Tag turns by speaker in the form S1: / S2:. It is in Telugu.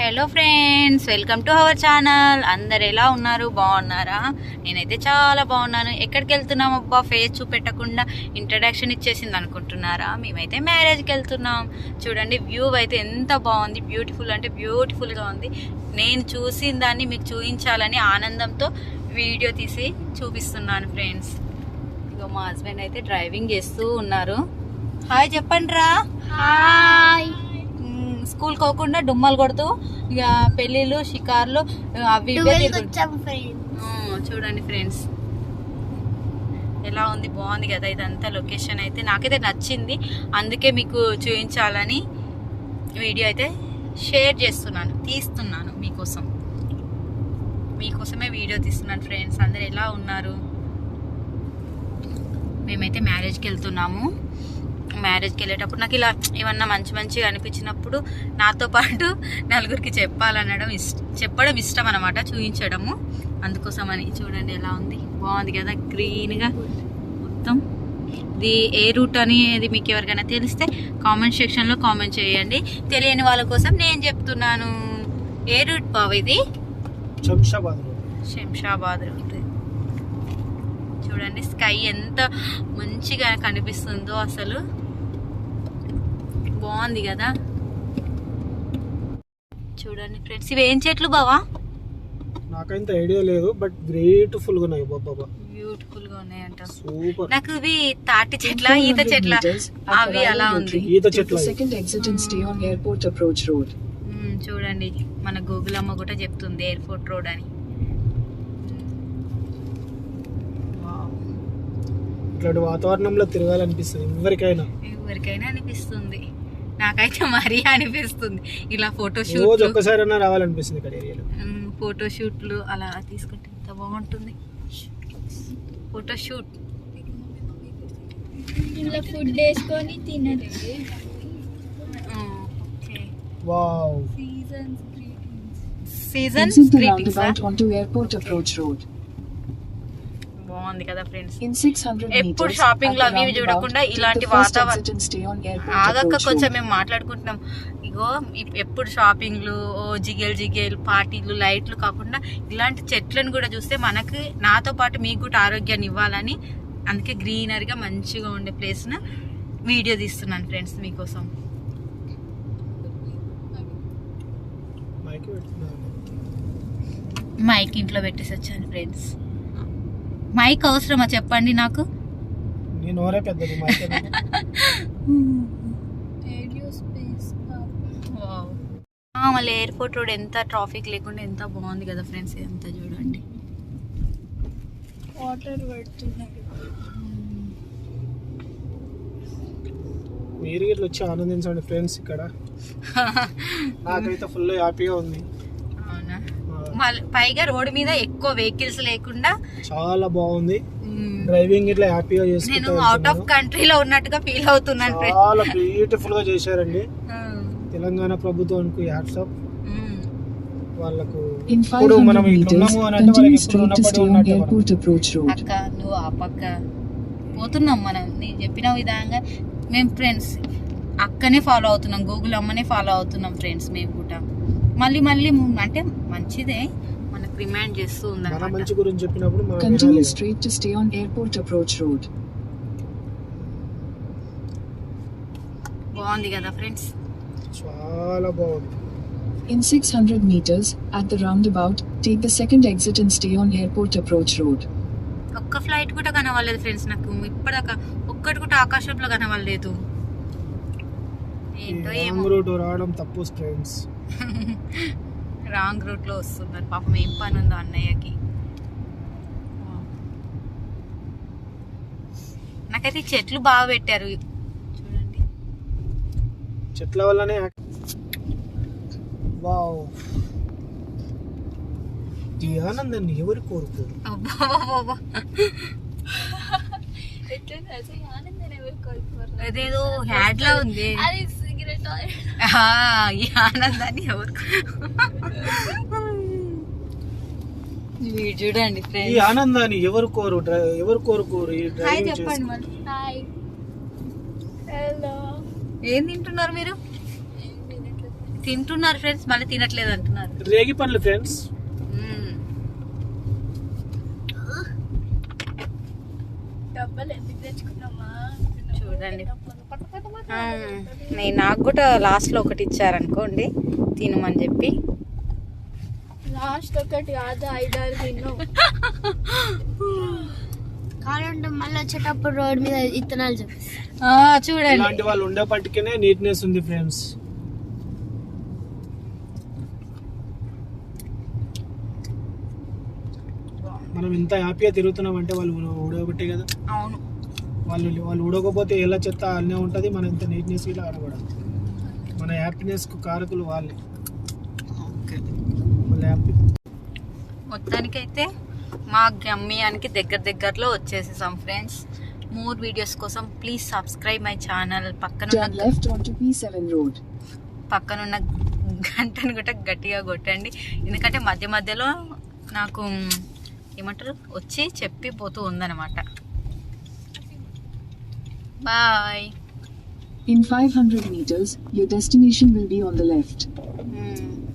S1: Hello friends, welcome to our channel. అందరు ఎలా ఉన్నారు? బాగున్నారా? నేనైతే చాలా బాగున్నాను. ఎక్కడికి వెళ్తున్నాం అబ్బా, ఫేస్ చూపెట్టకుండా ఇంట్రడక్షన్ ఇచ్చేసింది అనుకుంటున్నారా? మేమైతే మ్యారేజ్కి వెళ్తున్నాం. చూడండి, వ్యూ అయితే ఎంత బాగుంది, బ్యూటిఫుల్ అంటే బ్యూటిఫుల్గా ఉంది. నేను చూసిన దాన్ని మీకు చూపించాలని ఆనందంతో వీడియో తీసి చూపిస్తున్నాను ఫ్రెండ్స్. ఇగో మా హస్బెండ్ అయితే డ్రైవింగ్ చేస్తూ ఉన్నారు. హాయ్ చెప్పండి రా.
S2: హాయ్.
S1: స్కూల్ పోకుండా డుమ్మలు కొడుతూ ఇక పెళ్ళిళ్ళు షికార్లు అవి చూడండి ఫ్రెండ్స్, ఎలా ఉంది, బాగుంది కదా. ఇదంతా లొకేషన్ అయితే నాకైతే నచ్చింది, అందుకే మీకు చూపించాలని వీడియో అయితే షేర్ చేస్తున్నాను, తీస్తున్నాను మీకోసమే వీడియో తీస్తున్నాను ఫ్రెండ్స్. అందరు ఎలా ఉన్నారు? మేమైతే మ్యారేజ్కి వెళ్తున్నాము. మ్యారేజ్కి వెళ్ళేటప్పుడు నాకు ఇలా ఏమన్నా మంచిగా అనిపించినప్పుడు నాతో పాటు నలుగురికి చెప్పడం ఇష్టం అనమాట, చూపించడము. అందుకోసమని చూడండి ఎలా ఉంది, బాగుంది కదా, గ్రీన్గా మొత్తం. ఇది ఏ రూట్ అనేది మీకు ఎవరికైనా తెలిస్తే కామెంట్ సెక్షన్లో కామెంట్ చేయండి. తెలియని వాళ్ళ కోసం నేను చెప్తున్నాను. ఏ రూట్ బాబు? ఇది శంషాబాద్ రూట్. చూడండి స్కై ఎంత మంచిగా కనిపిస్తుందో, అసలు బాగుంది కదా. చూడండి ఫ్రెండ్స్, ఇవి ఏం చెట్లు బావా?
S3: నాకైతే ఐడియా లేదు, బట్ బ్యూటిఫుల్ గా ఉన్నాయి.
S1: బ్యూటిఫుల్ గా ఉన్నాయంట.
S3: సూపర్.
S1: నాకు ఇవి తాటి చెట్ల, ఈత చెట్ల, అవి అలా ఉంది.
S3: ఈత చెట్ల.
S1: చూడండి, మన గూగుల్ అమ్మ కూడా చెప్తుంది ఎయిర్పోర్ట్ రోడ్ అని.
S3: ఇట్లాంటి వాతావరణంలో తిరగాలనిపిస్తుంది
S1: ఎవరికైనా అనిపిస్తుంది. నాకైతే మరీ అనిపిస్తుంది. ఇలా ఫోటోషూట్
S3: ఒక్కసారైనా రావాలనిపిస్తుంది ఇక్కడ ఏరియాలో.
S1: ఫోటోషూట్లు అలా తీసుకుంటే ఎంత బాగుంటుంది. ఫోటోషూట్
S2: ఇలా ఫుడ్ వేసుకొని తినదు.
S3: వావ్.
S1: సీజన్స్ గ్రీటింగ్స్ బాగుంది కదా ఫ్రెండ్స్. ఎప్పుడు షాపింగ్ లో అవి చూడకుండా ఇలాంటి వాతావరణం ఆగక్క కొంచెం మేము మాట్లాడుకుంటున్నాం. ఇగో ఎప్పుడు షాపింగ్లు, జిగేల్ పార్టీలు, లైట్లు కాకుండా ఇలాంటి చెట్లను కూడా చూస్తే మనకి, నాతో పాటు మీకు కూడా ఆరోగ్యాన్ని ఇవ్వాలని, అందుకే గ్రీనరీగా మంచిగా ఉండే ప్లేస్ ను వీడియో తీస్తున్నాను ఫ్రెండ్స్ మీకోసం. మైక్ ఇంట్లో పెట్టేసి వచ్చాను ఫ్రెండ్స్. మైక్ అవసరమా చెప్పండి నాకు? మళ్ళీ ఎయిర్పోర్ట్ రోడ్ ఎంత ట్రాఫిక్ లేకుండా ఎంత బాగుంది కదా ఫ్రెండ్స్. ఇదంతా చూడండి,
S2: వాటర్ పడుతున్నాయి.
S3: మీరు ఇట్లా వచ్చి ఆనందించండి ఫ్రెండ్స్. ఇక్కడ నాకైతే ఫుల్ హ్యాపీగా ఉంది.
S1: అవునా? పైగా రోడ్ మీద ఎక్కువ వెహికల్స్ లేకుండా చాలా
S3: బాగుంది. డ్రైవింగ్ ఇట్లా హ్యాపీగా చేస్తున్నాను.
S1: నేను అవుట్ ఆఫ్ కంట్రీలో ఉన్నట్టుగా ఫీల్ అవుతున్నాను.
S3: చాలా బ్యూటిఫుల్ గా చేశారండి. తెలంగాణ ప్రభుత్వానికి హ్యాట్స్ ఆఫ్. వాళ్ళకు ఇప్పుడు మనం ఇట్లున్నాము అని అంటే వాళ్ళకి ఇప్పుడు ఉన్నప్పుడు
S1: అక్క నువ్వు ఆ పక్క పోతున్నాం మనం. నేను చెప్పిన విధంగా మేము ఫ్రెండ్స్ అక్కనే ఫాలో అవుతున్నాం, గూగుల్ అమ్మనే ఫాలో అవుతున్నాం ఫ్రెండ్స్. మేము కూడా మళ్ళీ అంటే మంచిదే, మనకు రిమైండ్ చేస్తూ ఉంది.
S3: మంచి గురించి చెప్పినప్పుడు
S1: బాగుంది కదా ఫ్రెండ్స్,
S3: చాలా బాగుంది.
S4: In 600 meters, at the roundabout, take the second exit and stay on airport approach road.
S1: ఒక్క ఫ్లైట్ కూడా కనవలేదు ఫ్రెండ్స్ నాకు ఇప్పటిదాకా, ఒక్కటి కూడా ఆకాశంలో కనవలేదు. ఏంటో ఏమో
S3: రూట్ రావడం తప్పు ఫ్రెండ్స్.
S1: రాంగ్ రూట్ లో వస్తున్నారు పాపం. ఏం పని ఉందో అన్నయ్యకి. నాకైతే చెట్లు బాగా పెట్టారు చూడండి,
S3: చెట్ల వల్లనే. వావ్, ఈ ఆనందాన్ని ఎవరు కోరుకోరు?
S1: అదేదో హ్యాడ్ లా ఉంది. ఈ ఆనందాన్ని ఎవరు చూడండి ఫ్రెండ్స్,
S3: ఈ ఆనందాన్ని ఎవరు కోరుకోరు?
S1: చెప్పండి మరి. ఏం తింటున్నారు మీరు? తింటున్నారు ఫ్రెండ్స్, మళ్ళీ తినట్లేదు అంటున్నారు.
S3: రేగి పండ్లు ఫ్రెండ్స్.
S2: డబ్బులు ఎందుకు తెచ్చుకున్నామా?
S1: చూడండి, నాకు కూడా లాస్ట్ లో ఒకటి ఇచ్చారనుకోండి తినమని చెప్పి.
S2: లాస్ట్ ఒకటి కాదు, 5-6 తిన్నాం. కావాలంటే మళ్ళీ వచ్చేటప్పుడు రోడ్ మీద ఇత్తనాలు చూపిస్తారు.
S1: చూడండి,
S3: ఇలాంటి వాళ్ళు ఉండేపటికనే నీట్నెస్ ఉంది ఫ్రెండ్స్. మనం ఇంత హ్యాపీగా తిరుగుతున్నాం అంటే వాళ్ళు ఊడగొట్టే కదా.
S1: అవును,
S3: వాళ్ళు ఊడకపోతే ఎలా చెత్త అన్నీ ఉంటుంది. మన ఇంత నీట్నెస్ ఇలా ఆడకూడదు. మన హ్యాపీనెస్ కు కారకులు వాళ్ళే. హ్యాపీ.
S1: మొత్తానికైతే మా గమ్యానికి దగ్గరలో వచ్చేసేసాం ఫ్రెండ్స్. మోర్ వీడియోస్ కోసం please subscribe my channel.
S4: Turn left onto P7 road.
S1: పక్కనున్న గంటను కూడా గట్టిగా కొట్టండి, ఎందుకంటే మధ్యలో నాకు ఏమంటారు వచ్చి చెప్పి పోతూ ఉందన్నమాట. Bye.
S4: In 500 meters, your destination will be on the left.